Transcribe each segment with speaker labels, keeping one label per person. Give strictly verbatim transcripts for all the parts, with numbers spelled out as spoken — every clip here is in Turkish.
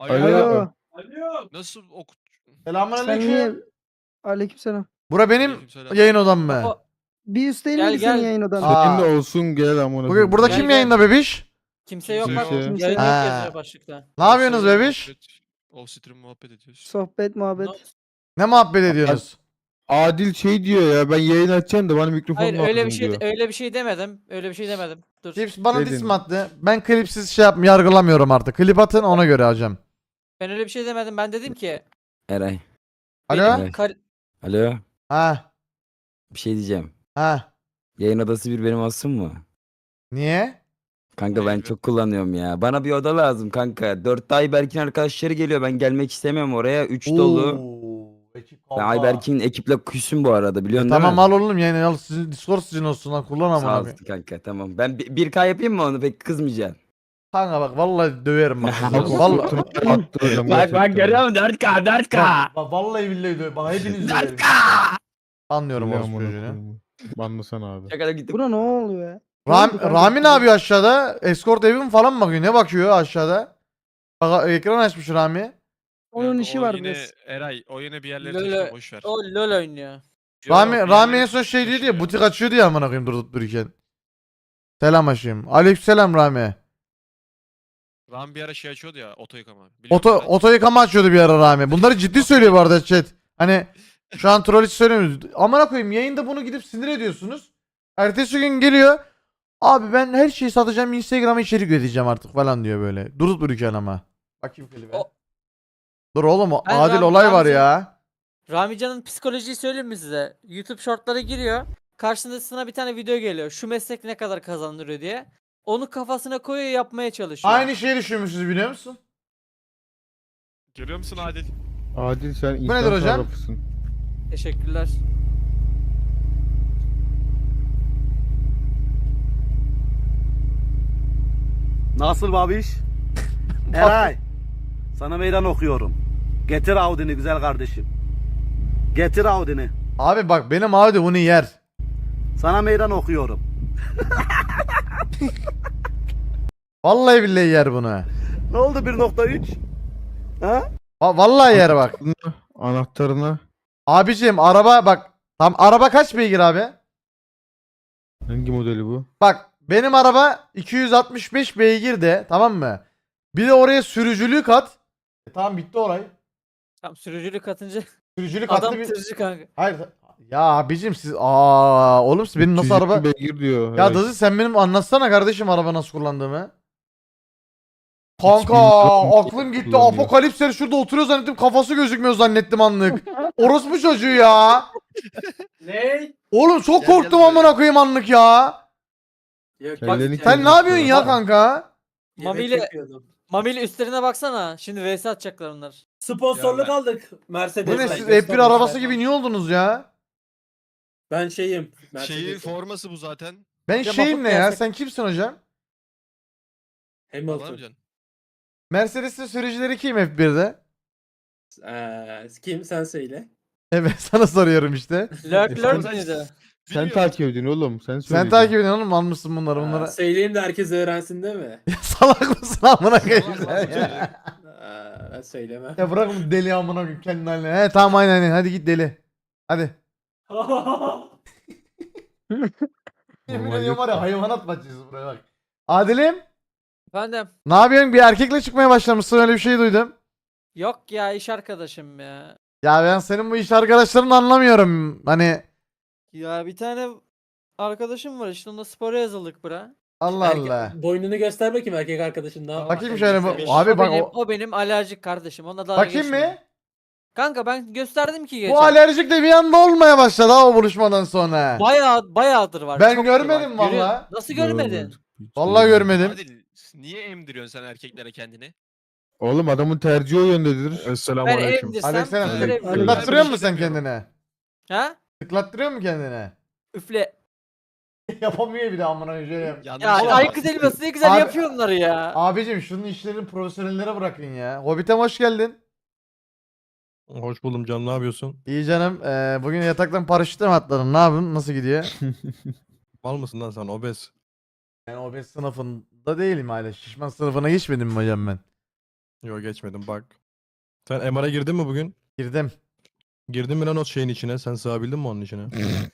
Speaker 1: Alo.
Speaker 2: Alo.
Speaker 3: Alo.
Speaker 1: Nasıl okut?
Speaker 2: Sen niye?
Speaker 3: Selamünaleyküm.
Speaker 2: Aleykümselam.
Speaker 3: Bura benim
Speaker 1: Aleykümselam.
Speaker 3: yayın odam mı?
Speaker 4: Kafa-
Speaker 2: Bir üst değil
Speaker 4: Gel,
Speaker 2: miydi senin
Speaker 4: gel.
Speaker 2: yayın odan?
Speaker 3: Aa.
Speaker 5: Senin de olsun gel amına.
Speaker 3: Bugün, burada
Speaker 4: Gel,
Speaker 3: kim
Speaker 4: gel.
Speaker 3: yayında bebiş?
Speaker 4: Kimse yok
Speaker 1: Kimse
Speaker 4: bak.
Speaker 5: yok.
Speaker 4: Yayın yok
Speaker 2: Kimse-
Speaker 3: Ha.
Speaker 4: yazıyor başlıkta.
Speaker 3: Ne yapıyorsunuz bebiş?
Speaker 1: Off stream muhabbet ediyoruz.
Speaker 2: Sohbet, muhabbet.
Speaker 4: No-
Speaker 3: Ne muhabbet ediyorsunuz?
Speaker 5: Adil şey diyor ya ben yayın açacağım da bana mikrofon
Speaker 4: Hayır öyle bir
Speaker 5: lazım
Speaker 4: şey
Speaker 5: diyor.
Speaker 4: öyle bir şey demedim. Öyle bir şey demedim. Dur.
Speaker 3: Klips bana
Speaker 5: Dedin.
Speaker 3: diss mi attı? Ben klipsiz şey yapm yargılamıyorum artık. Klip atın ona göre hocam.
Speaker 4: Ben öyle bir şey demedim. Ben dedim ki
Speaker 6: Eray.
Speaker 3: Alo?
Speaker 4: benim kar-
Speaker 6: Alo.
Speaker 3: Ha.
Speaker 6: Bir şey diyeceğim.
Speaker 3: Ha.
Speaker 6: Yayın odası bir benim olsun mu?
Speaker 3: Niye?
Speaker 6: Kanka ben
Speaker 1: Hayır be.
Speaker 6: çok kullanıyorum ya. Bana bir oda lazım kanka. Dörtte Ayberk'in arkadaşları geliyor. Ben gelmek istemiyorum oraya. Üç dolu.
Speaker 3: Oo, ekip
Speaker 6: Ben
Speaker 3: kanka.
Speaker 6: Ayberk'in ekiple küsüm bu arada biliyorsun değil
Speaker 3: Tamam
Speaker 6: mi?
Speaker 3: al oğlum yayını al. Sizin Discord sizin olsun lan kullan
Speaker 6: Sağ
Speaker 3: amına
Speaker 6: ol
Speaker 3: koyayım.
Speaker 6: kanka tamam. Ben bi- bir K yapayım mı onu pek kızmayacaksın.
Speaker 3: Kanka bak vallahi döverim bak.
Speaker 6: Bak,
Speaker 3: vallahi.
Speaker 5: Attıracağım gerçekten.
Speaker 6: dört K dört
Speaker 3: Bak, bak vallahi billahi döverim. Bak hepiniz döverim. Anlıyorum
Speaker 5: Biliyorum
Speaker 3: orospu
Speaker 5: amına
Speaker 3: çocuğunu.
Speaker 5: koyayım. Banlasana abi.
Speaker 6: Şakada gittim.
Speaker 2: Buna ne oluyor ya?
Speaker 3: Ram,
Speaker 2: oldu kanka?
Speaker 3: Rami ne yapıyor aşağıda? Escort evim falan mı bakıyor? Ne bakıyor aşağıda? Bak ekran açmış Rami.
Speaker 2: Onun
Speaker 1: Kanka,
Speaker 2: işi
Speaker 1: o
Speaker 2: var
Speaker 1: yine,
Speaker 2: biraz.
Speaker 1: Eray o yine bir yerlere
Speaker 4: Lolo-
Speaker 1: taşıyor boş ver.
Speaker 4: o LoL oynuyor.
Speaker 3: Rami,
Speaker 1: Yok,
Speaker 3: Rami
Speaker 1: bir
Speaker 3: en son
Speaker 1: yerlere
Speaker 3: şey diyordu ya
Speaker 1: taşıyor.
Speaker 3: butik açıyordu ya amına koyayım durup dururken. Selam aşığım. Aleykümselam Rami.
Speaker 1: Rami bir ara şey açıyordu ya oto yıkama. Biliyor
Speaker 3: Oto,
Speaker 1: musun?
Speaker 3: oto yıkama açıyordu bir ara Rami. Bunları ciddi söylüyor bu arada chat. Hani şu an troll hiç söylemiyoruz. Amına koyayım yayında bunu gidip sinir ediyorsunuz. Ertesi gün geliyor. Abi ben her şeyi satacağım Instagram'a içerik üreteceğim artık falan diyor böyle. Durup dururken ama. Bakayım klibe.
Speaker 4: O-
Speaker 3: Dur oğlum o
Speaker 4: Ben
Speaker 3: adil
Speaker 4: Ram-
Speaker 3: olay var
Speaker 4: Ramzi-
Speaker 3: ya.
Speaker 4: Ramican'ın psikolojiyi söyleyeyim mi size? YouTube shortlara giriyor. Karşısına bir tane video geliyor. Şu meslek ne kadar kazandırıyor diye. Onu kafasına koyuyor yapmaya çalışıyor.
Speaker 3: Aynı şeyi düşünmüşüz biliyor musun?
Speaker 1: Görüyor musun Adil?
Speaker 5: Adil sen insan
Speaker 3: nedir hocam?
Speaker 5: sarrafısın.
Speaker 4: Teşekkürler.
Speaker 7: Nasıl babiş? Eray. Sana meydan okuyorum. Getir Audi'ni güzel kardeşim. Getir Audi'ni.
Speaker 3: Abi bak benim Audi bunu yer.
Speaker 7: Sana meydan okuyorum.
Speaker 3: Vallahi billahi yer bunu.
Speaker 7: Ne oldu bir nokta üç? Ha?
Speaker 3: Va- vallahi yer bak.
Speaker 5: Anahtarına
Speaker 3: Abiciğim araba bak. Tam araba kaç beygir abi?
Speaker 5: hangi modeli bu?
Speaker 3: Bak benim araba iki yüz altmış beş beygir de tamam mı? Bir de oraya sürücülüğü kat. E, tamam bitti olay.
Speaker 4: Tam sürücülük atınca
Speaker 3: Sürücülük
Speaker 4: adam
Speaker 3: attı bir...
Speaker 4: tırcı kanka.
Speaker 3: Hayır. Ya abicim siz aa oğlum siz benim nasıl
Speaker 5: üç yüz yirmi
Speaker 3: araba...
Speaker 5: beygir diyor.
Speaker 3: Ya
Speaker 5: Evet.
Speaker 3: Dazı sen benim anlatsana kardeşim araba nasıl kullandığımı. Kanka
Speaker 5: bilmiyorum.
Speaker 3: aklım gitti.
Speaker 5: Kullanıyor.
Speaker 3: Apokalipsler şurada oturuyor zannettim. Kafası gözükmüyor zannettim anlık. Orospu çocuğu ya.
Speaker 8: Ne?
Speaker 3: Oğlum çok
Speaker 1: Gel, gel
Speaker 3: korktum
Speaker 1: buraya.
Speaker 3: amına koyayım anlık ya.
Speaker 8: Yok,
Speaker 5: Kellerini
Speaker 8: bak-
Speaker 3: Sen ne yapıyorsun ya kanka?
Speaker 8: Yemek
Speaker 4: Mami'yle-
Speaker 8: yapıyordum.
Speaker 4: Mami'yle üstlerine baksana. Şimdi V S atacaklar onlar.
Speaker 8: Sponsorluk
Speaker 1: Ya ben-
Speaker 8: aldık Mercedes.
Speaker 3: Bu ne siz F bir arabası gibi niye oldunuz ya?
Speaker 8: Ben şeyim.
Speaker 1: Şeyin
Speaker 8: Mercedes.
Speaker 1: forması bu zaten.
Speaker 3: Ben
Speaker 4: Ya
Speaker 3: şeyim
Speaker 4: Mahmut
Speaker 3: ne ya?
Speaker 4: Gerçek-
Speaker 3: Sen kimsin hocam?
Speaker 1: Tamam
Speaker 8: Hamilton.
Speaker 1: canım.
Speaker 3: Mercedes'in sürücüleri kim F birde?
Speaker 8: Ee, kim sen söyle.
Speaker 3: Evet sana soruyorum işte.
Speaker 4: Lurk lurk
Speaker 1: Sen-
Speaker 4: mıydı?
Speaker 5: Sen
Speaker 1: Bilmiyorum.
Speaker 5: takip ediyorsun oğlum. Sen
Speaker 3: Sen
Speaker 5: söyleyeceksin.
Speaker 3: takip ediyorsun oğlum almışsın bunları
Speaker 8: Aa,
Speaker 3: bunlara.
Speaker 8: söyleyeyim de herkes öğrensin değil mi?
Speaker 3: Ya salak mısın amına koyayım
Speaker 1: Salak
Speaker 3: sen
Speaker 1: mısın
Speaker 3: ya?
Speaker 8: Aa, ben söylemem.
Speaker 3: Ya bırak bu deli amına koyayım kendini haline. He tamam aynen aynen hadi git deli. Hadi. Yemin
Speaker 5: Normal
Speaker 3: ediyorum
Speaker 5: yok
Speaker 3: var ya
Speaker 5: da.
Speaker 3: hayvanat bahçesi buraya bak. Adil'im
Speaker 4: Efendim.
Speaker 3: ne yapıyorsun? Bir erkekle çıkmaya başlamışsın öyle bir şey duydum.
Speaker 4: Yok ya iş arkadaşım ya.
Speaker 3: Ya ben senin bu iş arkadaşlarını anlamıyorum. Hani
Speaker 4: Ya bir tane arkadaşım var işte onunla spora yazıldık bura.
Speaker 3: Allah
Speaker 8: Erkek-
Speaker 3: Allah.
Speaker 8: Boynunu göster bakayım erkek arkadaşın daha.
Speaker 3: Bakayım şöyle bu-
Speaker 8: Sevmiş.
Speaker 3: Abi
Speaker 4: o
Speaker 3: bak
Speaker 4: benim,
Speaker 3: o-
Speaker 4: o benim alerjik kardeşim. Ona dalga
Speaker 3: Bakayım
Speaker 4: geçmeyin.
Speaker 3: mı?
Speaker 4: Kanka ben gösterdim ki geçen.
Speaker 3: Bu alerjik de bir anda olmaya başladı ha o buluşmadan sonra.
Speaker 4: Bayağı bayağıdır var.
Speaker 3: Ben
Speaker 4: çoktur
Speaker 3: görmedim
Speaker 4: var. Görüyor-
Speaker 3: valla.
Speaker 4: Nasıl görmedin?
Speaker 3: Vallahi görmedim.
Speaker 1: Adil niye emdiriyorsun sen erkeklere kendini?
Speaker 5: Oğlum adamın tercihi o yöndedir.
Speaker 4: Ben emdirsem
Speaker 3: Aleykümselam.
Speaker 4: küfür
Speaker 5: Aleyküm.
Speaker 4: ederim.
Speaker 3: Tıklattırıyor
Speaker 1: Ben bir
Speaker 3: musun
Speaker 1: şey
Speaker 3: sen
Speaker 1: demiyorum.
Speaker 3: kendine?
Speaker 4: Ha?
Speaker 3: Tıklattırıyor mu kendine?
Speaker 4: Üfle.
Speaker 3: Yapamıyor bir de amına koyayım şöyle yap.
Speaker 1: Yanlış
Speaker 4: Ya
Speaker 1: şey
Speaker 4: Aykut
Speaker 1: yapar.
Speaker 4: Elmas ne güzel
Speaker 3: Abi-
Speaker 4: yapıyor onları ya.
Speaker 3: Abicim şunun işlerini profesyonellere bırakın ya. Hobbit'e hoş geldin.
Speaker 9: Hoş buldum canım, ne yapıyorsun?
Speaker 3: İyi canım. Ee, bugün yataktan paraşütle mi atladın? Ne yapın? Nasıl gidiyor?
Speaker 9: Mal mısın lan sen, obez?
Speaker 3: Ben obez sınıfında değilim hala. Şişman sınıfına geçmedim mi hocam ben?
Speaker 9: Yok geçmedim bak. Sen M R'a girdin mi bugün?
Speaker 3: Girdim.
Speaker 9: Girdin mi lan o şeyin içine? Sen sığabildin mi onun içine?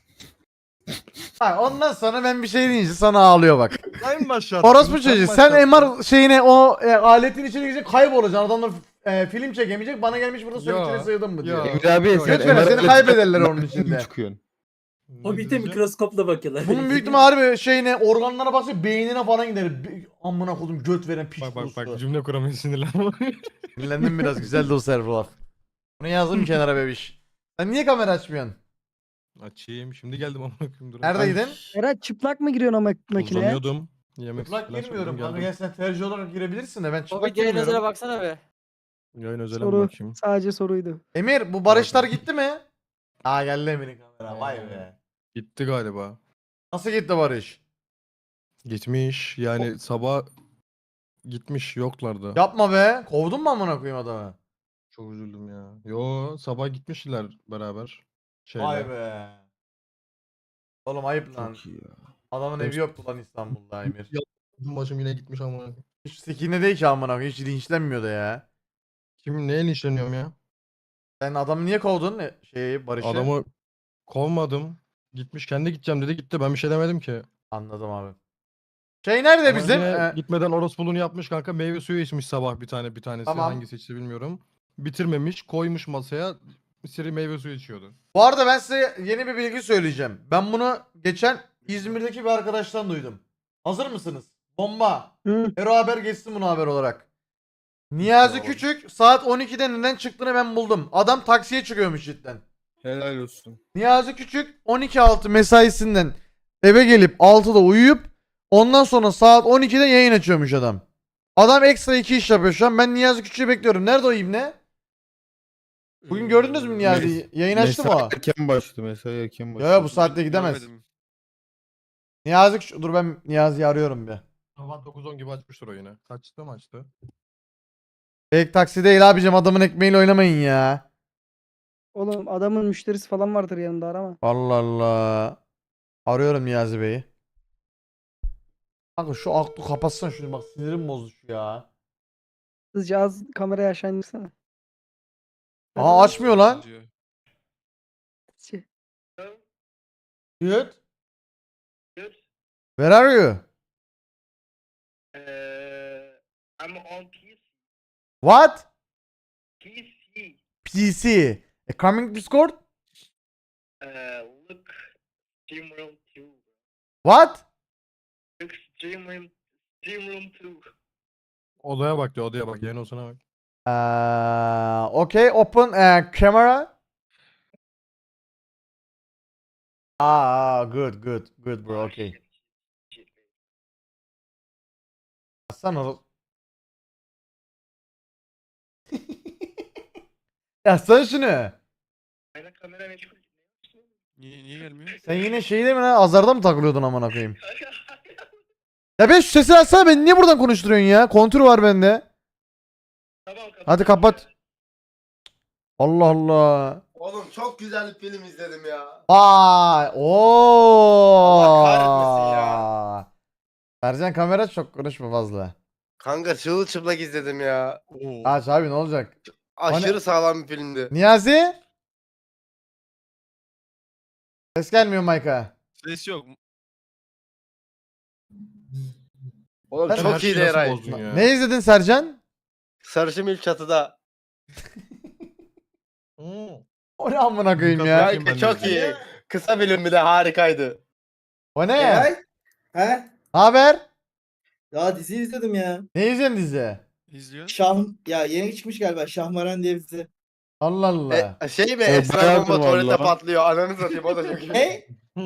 Speaker 3: Bak ondan sonra ben bir şey deyince sana ağlıyor bak.
Speaker 9: Sen başlattın.
Speaker 3: Orospu çocuğu sen M R şeyine o e, aletin içine girecek kaybolacaksın. Adamlar e, film çekemeyecek. Bana gelmiş burada sen
Speaker 9: Yo,
Speaker 3: içine sığdın mı diyor.
Speaker 9: yo.
Speaker 5: Emre abi
Speaker 9: Yok,
Speaker 5: sen
Speaker 3: lütfen,
Speaker 5: M R
Speaker 3: seni
Speaker 5: ile
Speaker 3: kaybederler
Speaker 5: çıkartın,
Speaker 3: onun içinde.
Speaker 5: çıkıyorsun.
Speaker 8: O bir de mikroskopla bakıyorlar.
Speaker 3: Bunun büyük ihtimalle harbi şeyine organlara baksa beynine falan gider. Bir- Amına kodum göt veren piç
Speaker 9: Bak bak
Speaker 3: kurusu.
Speaker 9: bak cümle kuramıyor sinirlenme.
Speaker 3: Dinlendim biraz güzeldi o server laf. Bunu yazdım kenara bebiş. Sen niye kamera açmıyorsun?
Speaker 9: Açayım. Şimdi geldim amına koyayım dur.
Speaker 3: Neredeydin?
Speaker 2: Eray çıplak mı giriyorsun o mak- makineye?
Speaker 9: Uzanıyordum. Yemek
Speaker 3: Çıplak
Speaker 9: falan
Speaker 3: girmiyorum.
Speaker 9: söyledim,
Speaker 3: Kanka
Speaker 9: geldim.
Speaker 3: gel sen tercih olarak girebilirsin de ben
Speaker 4: O
Speaker 3: çıplak
Speaker 4: bir yayın özele
Speaker 3: girmiyorum.
Speaker 4: baksana be.
Speaker 9: Yayın özele mi
Speaker 2: Soru.
Speaker 9: bakayım?
Speaker 2: Sadece soruydu.
Speaker 3: Emir bu barışlar gitti mi? Aa geldi Emir'in kamera. Vay be.
Speaker 9: Gitti galiba.
Speaker 3: Nasıl gitti barış?
Speaker 9: Gitmiş. Yani sabah gitmiş yoklardı.
Speaker 3: Yapma be. Kovdun mu amına koyayım adamı?
Speaker 9: Çok üzüldüm ya. Yo sabah gitmişler beraber. Şeyle.
Speaker 3: Vay be. Oğlum ayıp lan.
Speaker 5: Çok iyi ya.
Speaker 3: Adamın evi yoktu lan İstanbul'da Emir.
Speaker 9: Başım yine gitmiş ama.
Speaker 3: Hiç sikine değil ki amına koyayım. Hiç linçlenmiyor da ya.
Speaker 9: Kim neyle işleniyorum ya?
Speaker 3: Sen adamı niye kovdun e, şeyi Barış'ı?
Speaker 9: Adamı kovmadım. Gitmiş kendi gideceğim dedi gitti. Ben bir şey demedim ki.
Speaker 3: Anladım abi. Şey nerede
Speaker 9: Ama
Speaker 3: bizim?
Speaker 9: yine
Speaker 3: Ee,
Speaker 9: gitmeden orospuluğunu yapmış kanka. Meyve suyu içmiş sabah bir tane bir tanesi.
Speaker 3: Tamam.
Speaker 9: Hangisi içti bilmiyorum. Bitirmemiş. Koymuş masaya. Siri meyve suyu içiyordu.
Speaker 3: Bu arada ben size yeni bir bilgi söyleyeceğim. Ben bunu geçen İzmir'deki bir arkadaştan duydum. Hazır mısınız? Bomba.
Speaker 2: Hı.
Speaker 3: Hero haber geçsin bunu haber olarak. Niyazi
Speaker 9: Tamam.
Speaker 3: Küçük saat on ikide neden çıktığını ben buldum. Adam taksiye çıkıyormuş cidden.
Speaker 5: Helal olsun.
Speaker 3: Niyazi Küçük on iki altı mesaisinden eve gelip altıda uyuyup ondan sonra saat on ikide yayın açıyormuş adam. Adam ekstra iki iş yapıyor şu an. Ben Niyazi Küçük'ü bekliyorum. Nerede o ibne? Bugün gördünüz mü Niyazi'yi? Yayın açtı mı
Speaker 5: Mesai
Speaker 3: o?
Speaker 5: erken başladı. Mesai erken
Speaker 3: Ya
Speaker 5: başladı.
Speaker 3: ya bu saatte gidemez.
Speaker 1: Görmedim.
Speaker 3: Niyazi Küçük. Dur ben Niyazi'yi arıyorum bir.
Speaker 9: Sabah dokuz on gibi açmıştır o yine. Kaçta mı açtı?
Speaker 3: Fake taksi değil abicim adamın ekmeğiyle oynamayın ya.
Speaker 2: Oğlum adamın müşterisi falan vardır yanında arama.
Speaker 3: Allah Allah. Arıyorum Niyazi Bey'i. Kanka şu aklı kapatsan şunu bak sinirim bozdu şu ya.
Speaker 2: Hızlıca az kamerayı aşağı indirsene.
Speaker 3: Aa açmıyor lan.
Speaker 1: Diyor.
Speaker 2: Şey,
Speaker 3: Dude. Where are you?
Speaker 7: I'm on P C.
Speaker 3: What?
Speaker 7: P C.
Speaker 3: P C. E, coming Discord?
Speaker 7: Look, Steam Room two.
Speaker 3: What?
Speaker 7: Look, Steam Room, Steam Room two.
Speaker 9: Odaya bak diyor odaya bak. Yayın olsana bak.
Speaker 3: Uh, okay, open uh, camera. Ah, ah, good, good, good bro, okay. Sen o... Ya sen şunu.
Speaker 7: Aynen kamera meşgul.
Speaker 1: Niye, niye gelmiyor?
Speaker 3: Sen yine şeyde mi lan? Azarda mı takılıyordun amına koyayım? Ya ben şu sesi açsana beni niye buradan konuşturuyorsun ya? Kontür var bende.
Speaker 7: Tamam kapat.
Speaker 3: Hadi kapat. Allah Allah.
Speaker 10: Oğlum çok güzel bir film izledim ya.
Speaker 3: Vay. Oo.
Speaker 10: Allah kahretmesin ya.
Speaker 3: Sercan kamera çok konuşma fazla.
Speaker 10: Kanka çırılçıplak izledim ya.
Speaker 1: Oo.
Speaker 3: Aç abi ne olacak?
Speaker 10: Aşırı sağlam bir filmdi.
Speaker 3: Niyazi? Ses gelmiyor Mayka.
Speaker 1: Ses yok.
Speaker 10: Oğlum
Speaker 3: Ben
Speaker 9: Her
Speaker 10: çok
Speaker 9: şeyi
Speaker 10: iyiydi
Speaker 9: nasıl
Speaker 10: Eray.
Speaker 9: bozdun ya?
Speaker 3: Ne izledin Sercan?
Speaker 10: Sarışın ilk çatıda.
Speaker 9: Hmm.
Speaker 3: O ne amına koyayım ya?
Speaker 9: Bakayım ben de
Speaker 10: çok
Speaker 9: izleyeyim.
Speaker 10: iyi. Kısa film bir de harikaydı.
Speaker 3: O ne?
Speaker 11: Eray? He?
Speaker 3: Ne haber?
Speaker 11: Ya dizi izledim ya.
Speaker 3: Ne izledin dizi?
Speaker 1: İzliyor.
Speaker 11: Şah ya yeni çıkmış galiba Şahmaran diye bir dizi.
Speaker 3: Allah Allah.
Speaker 10: E, şey mi?
Speaker 5: E,
Speaker 10: Esra
Speaker 5: bayağıdır
Speaker 10: bomba tuvalete
Speaker 5: vallahi.
Speaker 10: patlıyor. Ananı satayım o da çok iyi.
Speaker 11: Ne?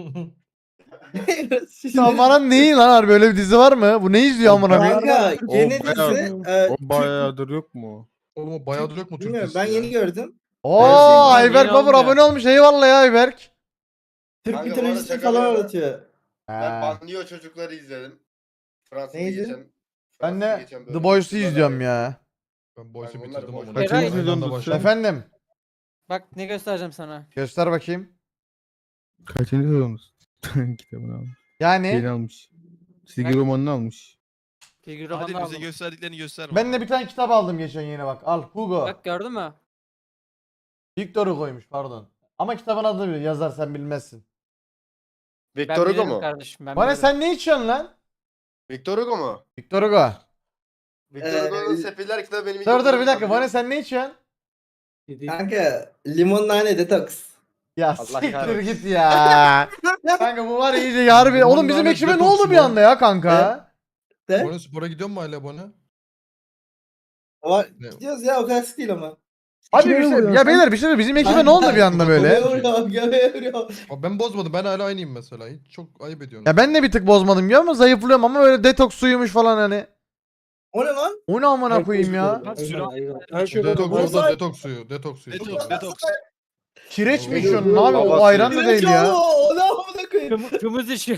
Speaker 3: Şahmaran neyi lan harbi öyle bir dizi var mı? Bu ne izliyor amına koyayım?
Speaker 11: Kanka
Speaker 5: O
Speaker 11: yeni
Speaker 5: bayağı-
Speaker 11: dizi. e,
Speaker 5: O bayağıdır yok mu?
Speaker 9: Oğlum o bayağıdır yok mu Türk
Speaker 11: Bilmiyorum
Speaker 9: dizisi
Speaker 11: ben
Speaker 9: ya?
Speaker 11: yeni gördüm.
Speaker 3: Oo
Speaker 11: Gerçekten
Speaker 3: Ayberk
Speaker 4: yeni
Speaker 3: Babur
Speaker 4: olmuyor.
Speaker 3: abone olmuş. Eyvallah ya Ayberk.
Speaker 11: Türk
Speaker 10: Kanka, bu
Speaker 11: mitolojisini
Speaker 10: arada şaka
Speaker 11: falan
Speaker 10: bir yana-
Speaker 11: anlatıyor.
Speaker 10: Ben
Speaker 3: Ha.
Speaker 10: Banliyö çocukları izledim. Fransa'da
Speaker 11: Neydi?
Speaker 10: geçen.
Speaker 3: Ben
Speaker 10: Fransa'da
Speaker 3: de
Speaker 10: geçen
Speaker 3: The
Speaker 10: bölüm.
Speaker 3: Boys'u
Speaker 10: Süper
Speaker 3: izliyorum
Speaker 10: abi.
Speaker 3: ya.
Speaker 9: Ben Boys'u
Speaker 10: Kanka onlar
Speaker 9: bitirdim
Speaker 10: boş.
Speaker 9: ama.
Speaker 4: Eray-
Speaker 5: Kaçıncı
Speaker 9: Aynı anda
Speaker 5: sezonda
Speaker 9: başladım.
Speaker 3: Efendim.
Speaker 4: Bak ne göstereceğim sana.
Speaker 3: Göster bakayım.
Speaker 5: Kaçıncı sezonuz? Kitabını almış. Şeyini
Speaker 3: Yani
Speaker 5: almış. Çizgi
Speaker 4: Ben-
Speaker 5: romanını almış.
Speaker 4: Figürü
Speaker 1: Hadi
Speaker 4: bana
Speaker 1: bize
Speaker 4: aldım.
Speaker 1: gösterdiklerini gösterme.
Speaker 3: Ben de bir tane kitap aldım geçen yine bak. Al Hugo.
Speaker 4: Bak gördün mü?
Speaker 3: Victor Hugo'ymuş pardon. Ama kitabın adını biliyor. Yazar sen bilmezsin.
Speaker 4: Ben
Speaker 10: Victor Hugo
Speaker 4: bilirim
Speaker 10: mu?
Speaker 4: kardeşim. Ben
Speaker 3: Bana
Speaker 4: bilirim.
Speaker 3: sen ne içiyorsun lan?
Speaker 10: Victor Hugo mu?
Speaker 3: Victor Hugo.
Speaker 10: Victor Hugo'nun
Speaker 11: Ee,
Speaker 10: Sefiller kitabı benim
Speaker 3: Dur dur bir
Speaker 10: ilkokulda
Speaker 3: dakika. Bana
Speaker 10: biliyorum.
Speaker 3: sen ne içiyorsun?
Speaker 11: Kanka limon nane detoks.
Speaker 3: Ya
Speaker 10: Allah
Speaker 3: siktir
Speaker 10: kahretsin.
Speaker 3: git ya. Kanka bu var ya iyice harbi.
Speaker 9: Limon
Speaker 3: Oğlum bizim
Speaker 9: nane
Speaker 3: ekibe ne
Speaker 9: detoks
Speaker 3: oldu bir
Speaker 9: mu?
Speaker 3: anda ya kanka?
Speaker 11: De?
Speaker 9: Bone spora gidiyor mu hala Bone?
Speaker 11: Ama
Speaker 9: Ne?
Speaker 11: gidiyoruz ya o kadar sık değil ama.
Speaker 3: Hadi
Speaker 2: Kime
Speaker 3: bir şey,
Speaker 2: vuruyorsun
Speaker 3: ya
Speaker 2: sen?
Speaker 3: beyler bir şey bizim ekibe ne oldu bir anda böyle?
Speaker 11: Göbeğe vuruyor, göbeğe vuruyor.
Speaker 9: Abi ben bozmadım. Ben hala aynıyım mesela. Hiç çok ayıp ediyorsun.
Speaker 3: Ya ben de bir tık bozmadım ya ama zayıflıyorum ama böyle detoks suyumuş falan hani.
Speaker 11: O ne lan?
Speaker 3: O ne amına koyayım ya?
Speaker 8: Aynen,
Speaker 1: Sürü-
Speaker 8: aynen. Her şey
Speaker 9: Detoks
Speaker 8: normal.
Speaker 9: orada detoks suyu. Detoks suyu.
Speaker 1: Detoks, detoks.
Speaker 3: Kireç mi
Speaker 9: Oğlum,
Speaker 3: içiyorsun abi? O
Speaker 10: babası.
Speaker 3: ayran da değil ya.
Speaker 11: O ne amına koyayım?
Speaker 4: Kımı- Kımız içiyor.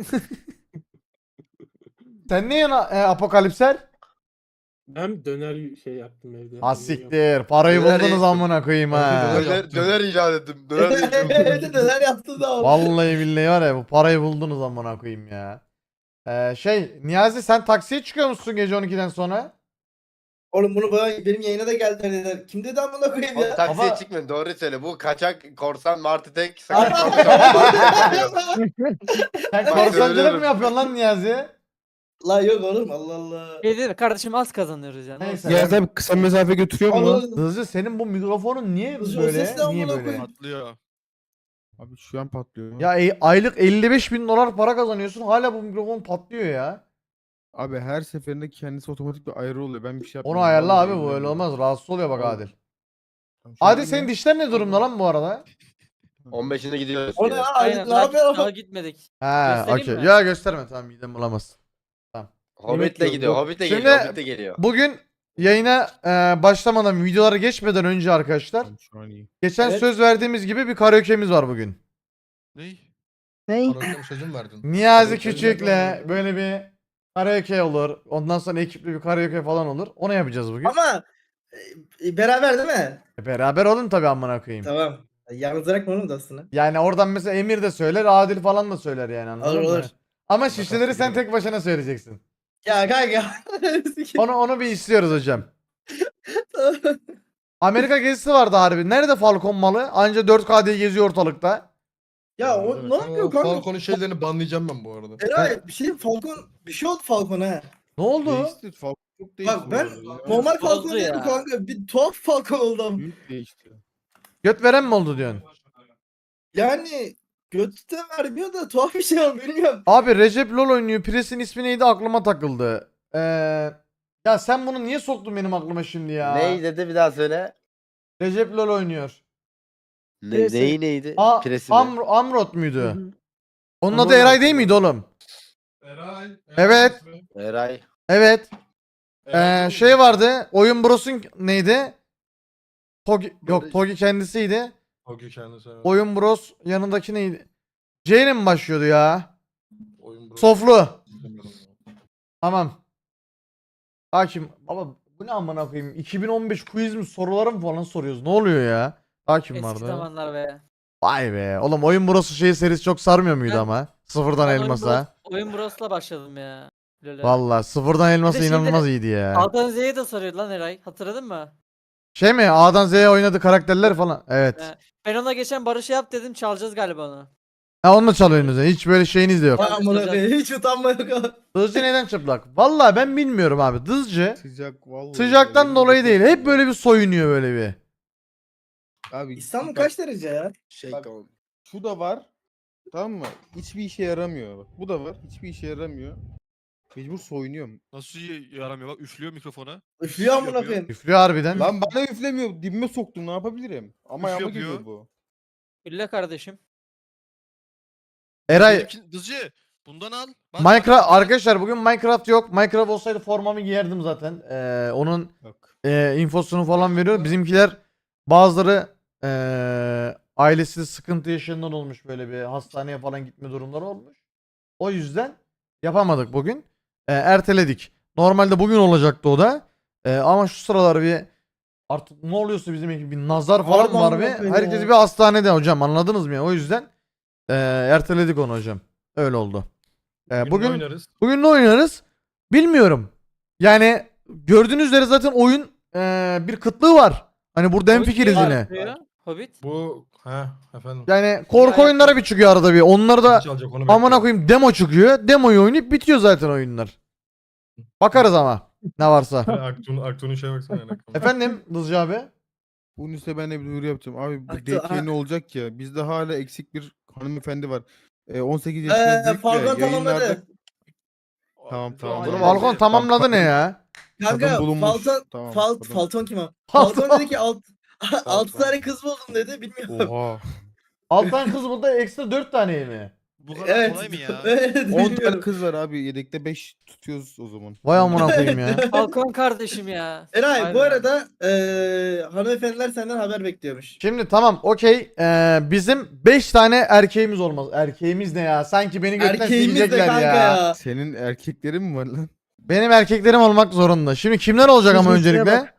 Speaker 3: Sen ne yana e, apokalipser?
Speaker 8: Ben döner şey yaptım evde.
Speaker 3: Ha siktir. Parayı
Speaker 10: Döner
Speaker 3: buldunuz
Speaker 10: yedim.
Speaker 3: amına koyayım ha.
Speaker 9: Döner
Speaker 10: Döner,
Speaker 9: yaptım.
Speaker 10: döner icat ettim. Döner de içiyorum.
Speaker 11: Evet neler yaptı da.
Speaker 3: Vallahi billahi var ya bu parayı buldunuz amına koyayım ya. Ee, şey Niyazi sen taksiye çıkıyor musun gece on ikiden sonra?
Speaker 11: Oğlum bunu bana benim yayına da geldi dediler. Kim dedi amına koyayım
Speaker 10: Oğlum
Speaker 11: ya?
Speaker 10: taksiye
Speaker 3: Baba-
Speaker 10: çıkmayın doğru söyle. Bu kaçak korsan Martı tek
Speaker 3: Sen
Speaker 10: Bak,
Speaker 3: korsancılık
Speaker 10: söylüyorum.
Speaker 3: mı yapıyorsun lan Niyazi?
Speaker 11: La yok oğlum Allah Allah.
Speaker 4: Şey değil mi? Kardeşim az kazanıyoruz yani.
Speaker 3: Neyse.
Speaker 5: Ya abi kısa mesafe götürüyor mu lan?
Speaker 11: Allah-
Speaker 3: Hızlı senin bu mikrofonun niye
Speaker 11: Hızlı, o
Speaker 3: böyle?
Speaker 11: ses ne
Speaker 3: Niye
Speaker 11: amına
Speaker 3: böyle?
Speaker 11: koyayım?
Speaker 1: Patlıyor.
Speaker 5: Abi şu an patlıyor.
Speaker 3: Ya e- aylık elli beş bin dolar para kazanıyorsun hala bu mikrofon patlıyor ya.
Speaker 5: Abi her seferinde kendisi otomatik bir ayarı oluyor. Ben bir şey
Speaker 3: Onu
Speaker 5: yapmıyorum.
Speaker 3: ayarla
Speaker 5: Vallahi
Speaker 3: abi bu öyle
Speaker 5: billahi.
Speaker 3: olmaz. Rahatsız oluyor bak
Speaker 5: Vallahi.
Speaker 3: Adil.
Speaker 5: Tamam, şu an
Speaker 3: Adil
Speaker 5: iyi
Speaker 3: senin
Speaker 5: mi?
Speaker 3: dişler ne durumda lan bu arada?
Speaker 10: on beşine gidiyoruz.
Speaker 11: O ne
Speaker 10: yine.
Speaker 11: ya?
Speaker 4: Aynen.
Speaker 11: Ne
Speaker 4: Daha,
Speaker 11: yapıyor?
Speaker 4: daha gitmedik.
Speaker 3: Ha
Speaker 4: Göstereyim
Speaker 3: okey.
Speaker 4: mi?
Speaker 3: Ya gösterme tamam midem bulamaz.
Speaker 10: Hobbit'le
Speaker 5: Yemek
Speaker 10: gidiyor.
Speaker 5: yok.
Speaker 10: Hobbit'le
Speaker 3: Şimdi-
Speaker 10: geliyor. Hobbit'le geliyor.
Speaker 3: Bugün yayına e, başlamadan videolara geçmeden önce arkadaşlar
Speaker 5: Tamam, şu an iyi.
Speaker 3: geçen
Speaker 11: Evet.
Speaker 3: söz verdiğimiz gibi bir karaoke'miz var bugün.
Speaker 1: Ney?
Speaker 2: Ney?
Speaker 9: Arasam sözüm verdin.
Speaker 3: Niyazi
Speaker 9: Karaoke
Speaker 3: Küçük'le
Speaker 9: nereden
Speaker 3: böyle bir karaoke olur. Ondan sonra ekipli bir karaoke falan olur. Onu yapacağız bugün.
Speaker 11: Ama e, beraber değil mi?
Speaker 3: E, Beraber olun tabii amına koyayım.
Speaker 11: Tamam. Yalnız bırakma oğlum da aslında.
Speaker 3: Yani oradan mesela Emir de söyler, Adil falan da söyler yani anladın
Speaker 11: Olur
Speaker 3: mı?
Speaker 11: olur.
Speaker 3: Ama şişeleri sen tek başına söyleyeceksin.
Speaker 11: Ya kanka.
Speaker 3: Onu onu bir istiyoruz hocam. Amerika gezisi vardı harbi. Nerede Falcon malı? Anca dört K diye geziyor ortalıkta.
Speaker 11: ya o ne yapıyor
Speaker 9: O
Speaker 11: kanka?
Speaker 9: Falcon'un şeylerini banlayacağım ben bu arada.
Speaker 11: Eray bir şey Falcon bir şey oldu Falcon'a.
Speaker 3: Ne oldu?
Speaker 5: Değişti. Falcon çok değişti.
Speaker 11: Bak
Speaker 5: bu
Speaker 11: ben
Speaker 5: arada ya.
Speaker 11: normal
Speaker 4: Bozdu
Speaker 11: Falcon
Speaker 4: ya.
Speaker 11: değilim kanka. Bir tuhaf Falcon oldum.
Speaker 5: Büyük değişti.
Speaker 3: Göt veren mi oldu diyorsun?
Speaker 11: Yani götü de vermiyor da tuhaf bir şey oldu bilmiyorum.
Speaker 3: Abi Recep LoL oynuyor. Pres'in ismi neydi aklıma takıldı. Ee, ya sen bunu niye soktun benim aklıma şimdi ya?
Speaker 10: Ney dedi bir daha söyle.
Speaker 3: Recep LoL oynuyor.
Speaker 10: Ne,
Speaker 2: Presi.
Speaker 10: neyi neydi?
Speaker 3: A
Speaker 10: Presi mi?
Speaker 3: Amr Amrot
Speaker 2: Hı
Speaker 3: muydu?
Speaker 2: hı.
Speaker 3: Onun
Speaker 11: Amrot
Speaker 3: adı Eray
Speaker 11: abi.
Speaker 3: değil miydi oğlum?
Speaker 9: Eray.
Speaker 3: Evet.
Speaker 10: Eray.
Speaker 3: Evet. Ee, şey vardı. Oyun Bros'un neydi? Togi yok Togi kendisiydi.
Speaker 9: Okey kendisi. evet.
Speaker 3: Oyun Bros yanındaki neydi? C ile mi başlıyordu ya?
Speaker 9: Oyun bro.
Speaker 3: Soflu.
Speaker 9: Bilmiyorum.
Speaker 3: Tamam. Hakim. Baba bu ne amına koyayım? iki bin on beş quiz mi soruları mı falan soruyoruz? Ne oluyor ya? Hakim
Speaker 4: Eski
Speaker 3: vardı.
Speaker 4: zamanlar be.
Speaker 3: Vay be. Oğlum Oyun Bros'u şey serisi çok sarmıyor muydu
Speaker 4: Ben-
Speaker 3: ama? Sıfırdan
Speaker 4: Ben oyun
Speaker 3: elmasa.
Speaker 4: Bros- Oyun Bros'la başladım ya. Lole.
Speaker 3: Valla sıfırdan elmasa
Speaker 4: şeyde-
Speaker 3: inanılmaz iyiydi ya.
Speaker 4: A'dan Z'ye de soruyordu lan Eray. Hatırladın mı?
Speaker 3: Şey mi? A'dan Z'ye oynadı karakterler falan. Evet.
Speaker 4: He. Ben ona geçen Barış'ı yap dedim çalacağız galiba onu.
Speaker 3: Ha onu da çalıyorsunuz. Hiç böyle şeyiniz de yok.
Speaker 11: Vay amına koyayım hiç utanma yok abi.
Speaker 3: Dızcı neden çıplak? Valla ben bilmiyorum abi. Dızcı
Speaker 5: Sıcak vallahi.
Speaker 3: sıcaktan
Speaker 5: Benim
Speaker 3: dolayı
Speaker 5: de
Speaker 3: değil.
Speaker 5: çok
Speaker 3: Hep
Speaker 5: sıcak.
Speaker 3: böyle bir soyunuyor böyle bir.
Speaker 5: Abi
Speaker 11: İstanbul
Speaker 5: bak,
Speaker 11: kaç derece ya?
Speaker 10: Şey
Speaker 5: Bak-
Speaker 10: tamam.
Speaker 5: şu da var. Tamam mı? Hiçbir işe yaramıyor. Bak, bu da var. Hiçbir işe yaramıyor. Mecbur soyunuyorum.
Speaker 1: Nasıl yaramıyor bak üflüyor mikrofona.
Speaker 11: Üflüyor amına
Speaker 1: Yapıyor.
Speaker 11: koyayım.
Speaker 3: Üflüyor harbiden.
Speaker 5: Lan bana üflemiyor. Dibime soktum. Ne yapabilirim? Ama
Speaker 1: Üf
Speaker 5: ayağıma
Speaker 1: yapıyor.
Speaker 5: geliyor bu.
Speaker 4: Ülle kardeşim.
Speaker 3: Eray
Speaker 1: Benimki- Dızcı bundan al. Bak,
Speaker 3: Minecraft
Speaker 1: bak, bak.
Speaker 3: arkadaşlar bugün Minecraft yok. Minecraft olsaydı formamı giyerdim zaten. Ee, onun
Speaker 5: Bak.
Speaker 3: e, infosunu falan veriyor. Bizimkiler bazıları e, ailesi sıkıntı yaşayanlar olmuş böyle bir hastaneye falan gitme durumları olmuş. O yüzden yapamadık bugün. E, erteledik. Normalde bugün olacaktı o da. E, ama şu sıralar bir artık ne oluyorsa bizim ekip bir nazar falan
Speaker 11: Allah
Speaker 3: var
Speaker 11: Allah
Speaker 3: bir.
Speaker 11: be
Speaker 3: Herkes
Speaker 11: ya.
Speaker 3: bir hastanede hocam anladınız mı ya? O yüzden e, erteledik onu hocam. Öyle oldu. E,
Speaker 9: Bugün
Speaker 3: bugün
Speaker 9: oynarız.
Speaker 3: Bugün ne oynarız? Bilmiyorum. Yani gördüğünüz üzere zaten oyun eee, bir kıtlığı var. Hani burada en
Speaker 4: Hobbit
Speaker 3: fikiriz
Speaker 4: niye
Speaker 3: yine.
Speaker 4: çıkıyor? Hobbit.
Speaker 9: Bu he efendim.
Speaker 3: Yani korku oyunları bir çıkıyor arada bir. Onları da
Speaker 9: Kim çalacak onu
Speaker 3: amına
Speaker 9: bekliyorum.
Speaker 3: koyayım demo çıkıyor. Demoyu oynayıp bitiyor zaten oyunlar. Bakarız ama ne varsa.
Speaker 9: Aktu'nun Aktu'nun şeye baksana. yani.
Speaker 3: Efendim Dızcı abi.
Speaker 5: Bunun üstüne ben de bir duyuru yapacağım. Abi bu
Speaker 11: Aktu-
Speaker 5: date yeni olacak ya. Bizde hala eksik bir hanımefendi var. Ee, on sekiz yaşında
Speaker 11: Eee
Speaker 5: büyük
Speaker 11: Falcon
Speaker 5: ve yayınlarda...
Speaker 11: tamamladı.
Speaker 5: Tamam tamam.
Speaker 10: Bunu
Speaker 5: Bunu
Speaker 3: Falcon tamamladı ne ya?
Speaker 11: Kanka
Speaker 5: Kadın bulunmuş.
Speaker 11: Falcon,
Speaker 5: Tamam,
Speaker 11: Fal,
Speaker 5: kadın.
Speaker 11: Falcon kim o?
Speaker 3: Falcon.
Speaker 11: Falcon dedi ki alt, altı
Speaker 5: Falcon.
Speaker 11: tane kız buldum dedi. Bilmiyorum.
Speaker 5: Oha.
Speaker 3: Alttan kız burada ekstra dört tane mi?
Speaker 1: Bu kadar
Speaker 11: Evet.
Speaker 1: kolay mı ya?
Speaker 11: Evet,
Speaker 5: on tane
Speaker 11: bilmiyorum.
Speaker 5: kız var abi. Yedekte beş tutuyoruz o zaman.
Speaker 3: Vay amına koyayım ya.
Speaker 4: Falcon kardeşim ya.
Speaker 11: Eray bu
Speaker 4: Aynen.
Speaker 11: arada eee hanımefendiler senden haber bekliyormuş.
Speaker 3: Şimdi tamam okey. Ee, bizim beş tane erkeğimiz olmaz. Erkeğimiz ne ya? Sanki beni gökten
Speaker 11: Erkeğimiz de
Speaker 3: silecekler
Speaker 11: kanka
Speaker 3: ya.
Speaker 11: ya.
Speaker 5: Senin erkeklerin mi var lan?
Speaker 3: Benim erkeklerim olmak zorunda. Şimdi kimler olacak ama
Speaker 2: Listeye
Speaker 3: öncelikle?
Speaker 2: bak.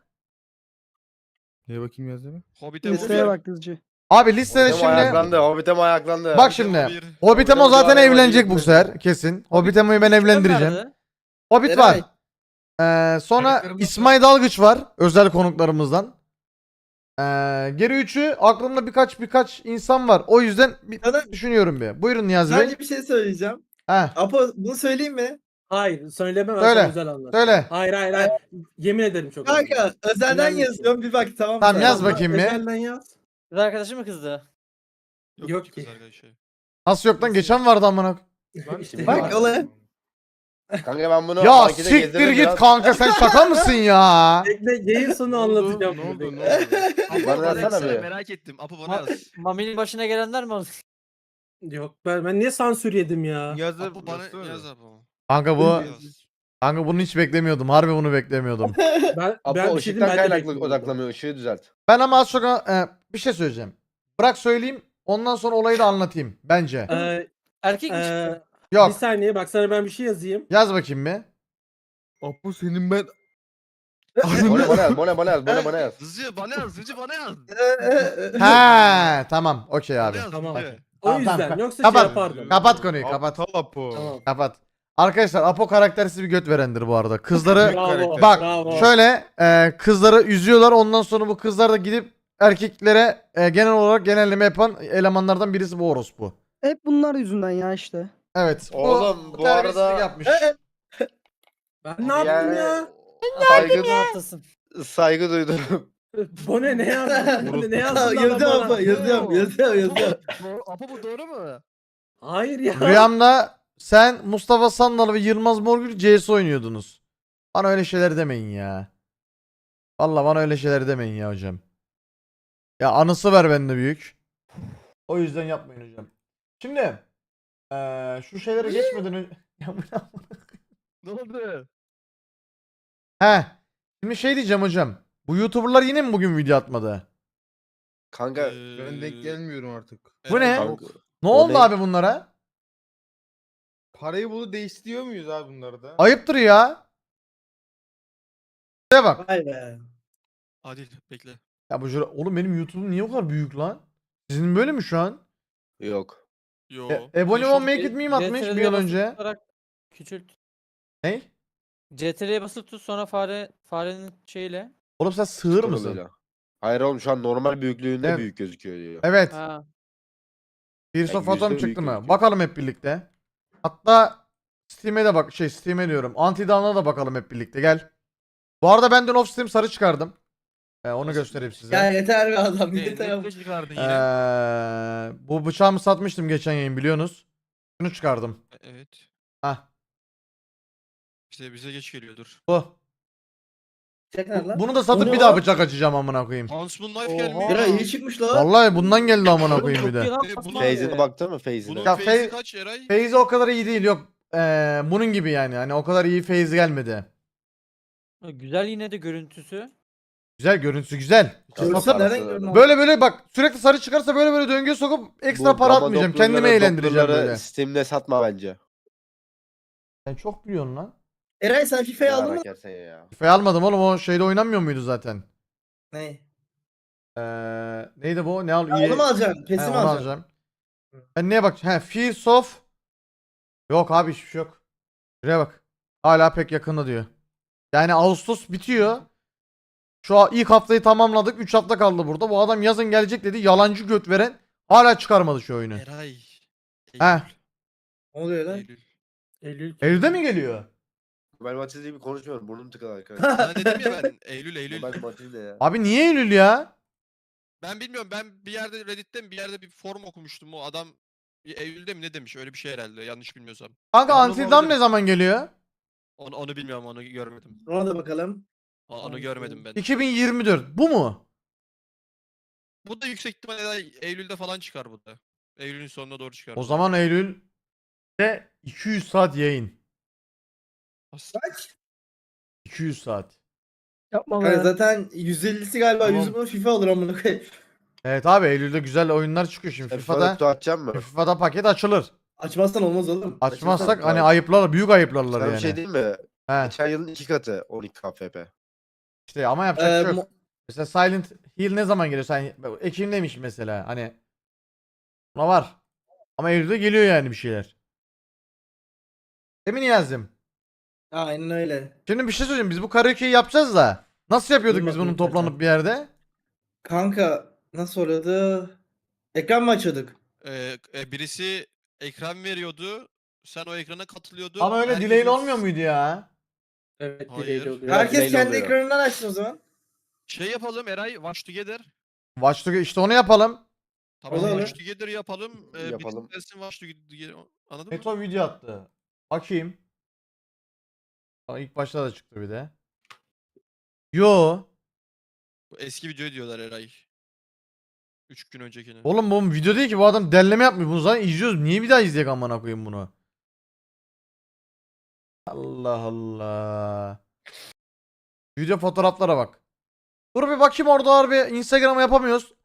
Speaker 5: Neye bakayım yazdı
Speaker 1: Hobbit'e
Speaker 2: Listeye
Speaker 1: vur.
Speaker 2: bak Dızcı.
Speaker 3: Abi listede
Speaker 10: Hobbit'e
Speaker 3: şimdi
Speaker 10: ayaklandı. Hobbit'e mi ayaklandı?
Speaker 3: bak şimdi.
Speaker 1: bir.
Speaker 3: Hobbitemo zaten
Speaker 10: Hobbitemo
Speaker 3: evlenecek bu
Speaker 10: ayaklandı.
Speaker 3: sefer kesin. Hobbitemo'yu ben evlendireceğim.
Speaker 4: Nerede?
Speaker 3: Hobbit var.
Speaker 11: Eray.
Speaker 3: Ee, sonra
Speaker 9: Karakterim
Speaker 3: İsmail Dalgıç var. Özel konuklarımızdan. Ee, geri üçü aklımda birkaç birkaç insan var. O yüzden bir
Speaker 11: Sana-
Speaker 3: düşünüyorum bir. Buyurun Niyazi Bey.
Speaker 11: Sadece bir şey söyleyeceğim.
Speaker 3: Heh,
Speaker 11: Apo bunu söyleyeyim mi?
Speaker 8: Hayır söylemem ben
Speaker 3: Söyle,
Speaker 8: sana özel anlat.
Speaker 3: söyle.
Speaker 8: Hayır hayır hayır. Yemin ederim çok
Speaker 11: Kanka özelden
Speaker 8: Önemli
Speaker 11: yazıyorum bir bak tamam mı?
Speaker 3: Tamam,
Speaker 11: sana?
Speaker 3: yaz bakayım bir.
Speaker 8: Özelden yaz.
Speaker 4: Kız arkadaşı mı kızdı?
Speaker 8: Yok
Speaker 1: kız
Speaker 8: ki.
Speaker 1: arkadaşı.
Speaker 3: Nasıl yok lan geçen vardı amına.
Speaker 8: İşte
Speaker 11: Bak olaya.
Speaker 10: Kanka ben bunu
Speaker 3: Ya
Speaker 10: markete
Speaker 3: siktir
Speaker 10: gezdirdim
Speaker 3: git
Speaker 10: biraz.
Speaker 3: kanka sen şaka mısın ya?
Speaker 8: Bekle yayın sonu
Speaker 5: Ne oldu?
Speaker 8: anlatacağım.
Speaker 5: Ne oldu?
Speaker 8: Bekle.
Speaker 5: Ne oldu?
Speaker 1: Apo
Speaker 10: Bana
Speaker 1: bana
Speaker 10: yazsana
Speaker 1: yazsana,
Speaker 10: bir.
Speaker 1: merak ettim. Apo bana
Speaker 4: Ma-
Speaker 1: yaz.
Speaker 4: Mami'nin başına gelenler mi oldu?
Speaker 8: Yok ben, ben niye sansür yedim ya?
Speaker 5: Yazdı.
Speaker 1: Apo bana
Speaker 5: yazsana.
Speaker 1: yaz Apo.
Speaker 3: Kanka bu
Speaker 1: Yaz.
Speaker 3: kanka bunu hiç beklemiyordum. Harbi bunu beklemiyordum.
Speaker 8: Ben,
Speaker 10: Apo
Speaker 8: ben bir şey
Speaker 10: ışıktan
Speaker 8: dedim, ben de
Speaker 10: kaynaklı
Speaker 8: bekliyorum.
Speaker 10: odaklamıyor. Işığı düzelt.
Speaker 3: Ben ama az çok e, bir şey söyleyeceğim. Bırak söyleyeyim. Ondan sonra olayı da anlatayım bence.
Speaker 8: Ee,
Speaker 4: Erkek mi
Speaker 8: ee,
Speaker 4: çıktı?
Speaker 8: bir
Speaker 3: Yok.
Speaker 8: saniye bak sana ben bir şey yazayım.
Speaker 3: Yaz bakayım bir.
Speaker 5: Apo senin ben...
Speaker 10: Bana bana yaz. Bana bana yaz. Bana bana yaz.
Speaker 1: Hızlıca bana yaz. Hızlıca bana yaz.
Speaker 3: He tamam okey
Speaker 1: Bana
Speaker 3: abi.
Speaker 1: yaz.
Speaker 8: Tamam.
Speaker 1: hızlıca.
Speaker 8: O
Speaker 3: Tamam,
Speaker 8: yüzden
Speaker 3: tamam.
Speaker 8: yoksa
Speaker 3: Kapat.
Speaker 8: şey yapardım.
Speaker 3: Kapat konuyu kapat.
Speaker 5: Aptal Apo.
Speaker 8: Tamam.
Speaker 3: Kapat. Arkadaşlar Apo karaktersiz bir göt verendir bu arada. Kızları
Speaker 8: Bravo.
Speaker 3: bak
Speaker 8: bravo.
Speaker 3: şöyle e, kızları üzüyorlar. Ondan sonra bu kızlar da gidip erkeklere e, genel olarak genelleme yapan elemanlardan birisi bu orospu.
Speaker 2: Hep bunlar yüzünden ya işte.
Speaker 3: Evet.
Speaker 10: Oğlum, bu
Speaker 3: terbiyesizlik
Speaker 10: arada-
Speaker 3: yapmış.
Speaker 8: Ben ne yaptım ya?
Speaker 10: Saygı,
Speaker 4: Ne yaptasın?
Speaker 10: saygı duydum.
Speaker 8: Bu ne ne yazdın? Bu ne ne yazdın? lan
Speaker 11: Yazıyorum
Speaker 8: bana?
Speaker 11: Apo yazıyorum yazıyorum yazıyorum.
Speaker 1: Apo bu doğru mu?
Speaker 8: Hayır ya.
Speaker 3: Rüyamda sen Mustafa Sandal ve Yılmaz Morgül C S oynuyordunuz. Bana öyle şeyler demeyin ya. Vallahi bana öyle şeyler demeyin ya hocam. Ya anısı var bende büyük. O yüzden yapmayın hocam. Şimdi eee, şu şeylere geçmeden önce... Ya bu ne?
Speaker 1: Ne oldu?
Speaker 3: He. Şimdi şey diyeceğim hocam. Bu YouTuber'lar yine mi bugün video atmadı?
Speaker 10: Kanka.
Speaker 1: Ee,
Speaker 5: Ben denk gelmiyorum artık.
Speaker 3: Bu ne?
Speaker 1: Eren
Speaker 10: Kanka,
Speaker 1: yok.
Speaker 3: Ne
Speaker 10: o
Speaker 3: oldu
Speaker 10: ne?
Speaker 3: abi bunlara?
Speaker 5: Parayı bulup değiştiriyor muyuz abi bunlarda?
Speaker 3: Ayıptır ya. Şuraya bak.
Speaker 11: Vay be.
Speaker 1: Adil bekle.
Speaker 3: Ya bu jura- oğlum benim YouTube'um niye o kadar büyük lan? Sizin böyle mi şu an?
Speaker 10: Yok.
Speaker 1: Yo.
Speaker 3: E, Ebony
Speaker 1: Şu-
Speaker 3: One Make It Meme atmış bir
Speaker 4: C T R L'ye
Speaker 3: yıl
Speaker 4: basılı
Speaker 3: önce.
Speaker 4: tutarak Küçült.
Speaker 3: Ne?
Speaker 4: C T R'ye basılı tut sonra fare farenin şeyiyle.
Speaker 3: Oğlum sen sığır mısın?
Speaker 10: Scroll'uyla. Hayır oğlum şu an normal büyüklüğünde
Speaker 3: Evet.
Speaker 10: büyük gözüküyor diyor.
Speaker 3: Evet.
Speaker 4: Ha.
Speaker 3: Gears
Speaker 10: Ya
Speaker 3: of Atom
Speaker 10: yüzde
Speaker 3: çıktı
Speaker 10: büyük
Speaker 3: mı?
Speaker 10: gözüküyor.
Speaker 3: Bakalım hep birlikte. Hatta Steam'e de bak şey Steam'e diyorum. Anti-Down'a da bakalım hep birlikte gel. Bu arada ben dün off Steam sarı çıkardım. Ee, onu göstereyim size.
Speaker 11: Ya yeter be adam
Speaker 1: Ne,
Speaker 11: yeter.
Speaker 1: ne
Speaker 11: ama.
Speaker 1: kılıç çıkardın yine?
Speaker 3: Ee, bu bıçağımı satmıştım geçen yayın biliyorsunuz. Şunu çıkardım.
Speaker 1: Evet.
Speaker 3: Hah
Speaker 1: İşte bize geç geliyordur.
Speaker 3: bu.
Speaker 11: Çek lan.
Speaker 3: Bunu da satıp
Speaker 11: O
Speaker 3: bir
Speaker 11: ne
Speaker 3: daha
Speaker 11: lan?
Speaker 3: bıçak açacağım amına koyayım.
Speaker 1: Huntsman Knife
Speaker 4: Oha.
Speaker 1: gelmiş.
Speaker 11: Bira iyi çıkmış lan.
Speaker 3: Vallahi bundan geldi amına koyayım bir
Speaker 4: Çok iyi
Speaker 3: de.
Speaker 4: lan
Speaker 1: E,
Speaker 4: Fatma
Speaker 1: bunu-
Speaker 4: abi.
Speaker 10: Feyzine baktın mı Feyzine?
Speaker 1: Bunun
Speaker 3: Ya
Speaker 1: feyzi
Speaker 3: Fey-
Speaker 1: kaç Eray?
Speaker 3: Feyzi o kadar iyi değil yok. Ee, bunun gibi yani. Hani o kadar iyi feyzi gelmedi.
Speaker 4: Güzel yine de görüntüsü.
Speaker 3: Güzel görüntüsü güzel.
Speaker 10: Çok
Speaker 11: Görsen
Speaker 10: parası
Speaker 11: nereden
Speaker 10: var.
Speaker 11: gördün?
Speaker 3: Böyle böyle bak sürekli sarı çıkarsa böyle böyle döngüye sokup ekstra
Speaker 10: Bu
Speaker 3: para
Speaker 10: Gama
Speaker 3: atmayacağım.
Speaker 10: doktorları-
Speaker 3: Kendimi eğlendireceğim
Speaker 10: doktorları
Speaker 3: böyle.
Speaker 10: Steam'de satma bence.
Speaker 3: Sen çok biliyorsun lan.
Speaker 11: Eray sen FIFA'yı aldın mı?
Speaker 10: Merak etsen ya.
Speaker 3: FIFA'yı almadım oğlum o şeyde oynanmıyor muydu zaten?
Speaker 11: Ne?
Speaker 3: Ee, neydi bu? Ne al?
Speaker 11: Ya Onu mu alacaksın?
Speaker 3: He,
Speaker 11: Pesi mi
Speaker 3: onu
Speaker 11: alacaksın?
Speaker 3: alacağım. Ben neye bak? He, Fears of. Yok abi hiçbir şey yok. Şuraya bak. Hala pek yakında diyor. Yani Ağustos bitiyor. Şu an ilk haftayı tamamladık. üç hafta kaldı burada. Bu adam yazın gelecek dedi. Yalancı göt veren hala çıkarmadı şu oyunu.
Speaker 1: Eray.
Speaker 3: He.
Speaker 1: Eylül.
Speaker 11: Ne oluyor lan?
Speaker 1: Eylül.
Speaker 8: Eylül.
Speaker 3: Eylül'de mi geliyor?
Speaker 10: Ben Matilda gibi konuşmuyorum. Burnum tıkalı arkadaşlar.
Speaker 1: Sana dedim ya ben Eylül Eylül.
Speaker 10: Ben Matilda ya.
Speaker 3: Abi niye Eylül ya?
Speaker 1: Ben bilmiyorum, ben bir yerde Reddit'te mi bir yerde bir forum okumuştum, o adam bir Eylül'de mi ne demiş, öyle bir şey herhalde, yanlış bilmiyorsam.
Speaker 3: Kanka
Speaker 1: Yanılma
Speaker 3: Until Dawn
Speaker 1: olabilir.
Speaker 3: ne zaman geliyor?
Speaker 1: Onu, onu bilmiyorum, onu görmedim.
Speaker 11: Ona da bakalım.
Speaker 1: O- Onu görmedim ben.
Speaker 3: iki bin yirmi dört. Bu mu?
Speaker 1: Bu da yüksek ihtimalle Eylül'de falan çıkar bu da. Eylül'ün sonuna doğru çıkar.
Speaker 3: O zaman Eylül'de iki yüz saat yayın.
Speaker 11: Kaç?
Speaker 3: iki yüz saat.
Speaker 2: Yapma
Speaker 11: Yani
Speaker 2: be.
Speaker 11: zaten yüz ellisi galiba
Speaker 3: Tamam.
Speaker 11: yüzümü FIFA olur amına koyayım.
Speaker 3: Evet abi Eylül'de güzel oyunlar çıkıyor şimdi.
Speaker 10: Sen
Speaker 3: FIFA'da
Speaker 10: FIFA'da kutu atacak mı?
Speaker 3: FIFA'da paket açılır.
Speaker 11: Açmazsan olmaz oğlum.
Speaker 3: Açmazsak
Speaker 11: Açarsan-
Speaker 3: hani ayıplar, büyük ayıplarlar
Speaker 10: Sana
Speaker 3: yani.
Speaker 10: bir şey diyeyim mi?
Speaker 3: He.
Speaker 10: Geçen yılın iki katı on iki K F P.
Speaker 3: İşte ama yapacak
Speaker 11: Ee,
Speaker 3: bir şey yok.
Speaker 11: mo-
Speaker 3: Mesela Silent Hill ne zaman geliyor? Sen Ekim'deymiş mesela. Hani buna var. Ama Eylül'de geliyor yani bir şeyler. Emin yazdım.
Speaker 11: Aynen öyle.
Speaker 3: Şimdi bir şey söyleyeyim. Biz bu karaoke'yi yapacağız da. Nasıl yapıyorduk biz
Speaker 11: Duymadım
Speaker 3: bunu toplanıp
Speaker 11: zaten.
Speaker 3: bir yerde?
Speaker 11: Kanka nasıl oluyordu? Ekran mı açıyorduk?
Speaker 1: Ee, e, birisi ekran veriyordu. Sen o ekrana katılıyordun.
Speaker 3: Ama öyle
Speaker 1: herkesin-
Speaker 3: delay'li olmuyor muydu ya?
Speaker 8: Evet
Speaker 1: Hayır.
Speaker 8: delay'li oluyor.
Speaker 10: Biraz
Speaker 11: Herkes
Speaker 10: belli
Speaker 11: kendi
Speaker 10: oluyor.
Speaker 11: ekranından açsın o zaman.
Speaker 1: Şey yapalım Eray, Watch Together.
Speaker 3: Watch Dogs işte onu yapalım.
Speaker 1: Tamam,
Speaker 11: Olur.
Speaker 1: Watch Together yapalım. Ee,
Speaker 10: Yapalım.
Speaker 1: birisi gelsin Watch Together. Anladın mı?
Speaker 3: Meto video attı. Bakayım. Aa, ilk başta da çıktı bir de. Yo.
Speaker 1: Bu eski video diyorlar Eray. üç gün öncekini.
Speaker 3: Oğlum bu video değil ki, bu adam derleme yapmıyor. Bunu zaten izliyoruz. Niye bir daha izleyek amına koyayım bunu? Allah Allah. Video fotoğraflara bak. Dur bir bakayım, orada harbi Instagram'a yapamıyoruz.